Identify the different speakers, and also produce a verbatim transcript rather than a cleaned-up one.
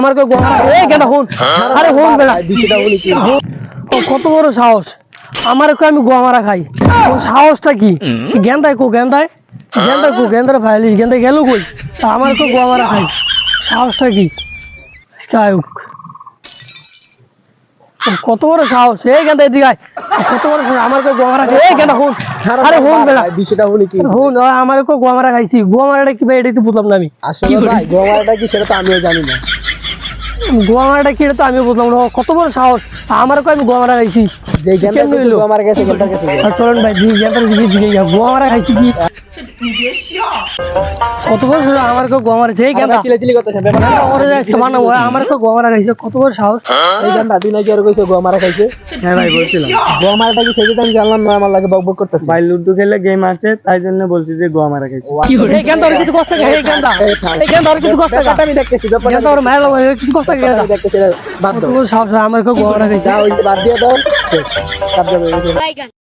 Speaker 1: আমার কই গোয়া এই কেন হুন আরে হুন বেটা
Speaker 2: বিষয়টা বলি কি
Speaker 1: ও কত বড় সাহস আমার কই আমি গোয়া মারা খাই ও সাহসটা কি গেন্দায় কো গেন্দায় গেন্দায় কো গেন্দার ফাইলি গেন্দায় গেল কই আমার কই গোয়া মারা খাই সাহসটা কি স্কাইক কত বড় সাহস এই গেন্দা এদিকে আয় কত বড় সাহস আমার কই গোয়া মারা খাই এই কেন হুন আরে হুন বেটা
Speaker 2: বিষয়টা বলি কি
Speaker 1: হুন আমার কই গোয়া মারা খাইছি গোয়া মারাটা কি ভাই এটাই তো বুঝলাম না আমি
Speaker 2: আসলে ভাই গোয়ামারাটা কি সেটা তো আমিও জানি না।
Speaker 1: গোয়া মারাটা কি এটা তো আমিও বুঝলাম না কত বড় সাহস আমার কই আমি গোয়া মারা খাইছি
Speaker 2: যে গেন্দা গোয়ামারা গেছে গেন্দার কাছে
Speaker 1: আর চলেন ভাই দিকে গেন্দার দিকে দিকে যা গোয়া মারা খাইছি কি কত বড় সাহস আমার কই গোয়া মারা সেই গেন্দা
Speaker 2: চিলাচিলি করতেছে ব্যাপার
Speaker 1: ওরে যাচ্ছে মানে ওই আমার কই গোয়া মারা খাইছে কত বড় সাহস
Speaker 2: এই গেন্দা দিন আগে আর কইছে গোয়ামারা খাইছে।
Speaker 3: হ্যাঁ ভাই বলছিলাম
Speaker 2: গোয়ামারাটা কি সেটা আমি জানলাম না, আমার লাগে বকবক করতেছে।
Speaker 3: ভাই লুডো খেলে গেম আছে তাই জন্য বলছি যে গোয়া মারা খাইছে।
Speaker 1: এই গেন্দা ওর কিছু কষ্ট এই গেন্দা এই গেন্দা ওর কিছু কষ্ট
Speaker 2: ব্যাপারটা আমি দেখতেছি ব্যাপারটা
Speaker 1: গেন্দা ওর মায়ের কিছু কষ্ট গেন্দা
Speaker 2: আমি দেখতেছি বাদ
Speaker 1: কত
Speaker 2: দাও
Speaker 1: বড় সাহস আমার কই গোয়া মারা খাইছে
Speaker 2: যা হইছে বাদ দিয়ে দাও শেষ বাদ দাও।
Speaker 4: Bye, guys.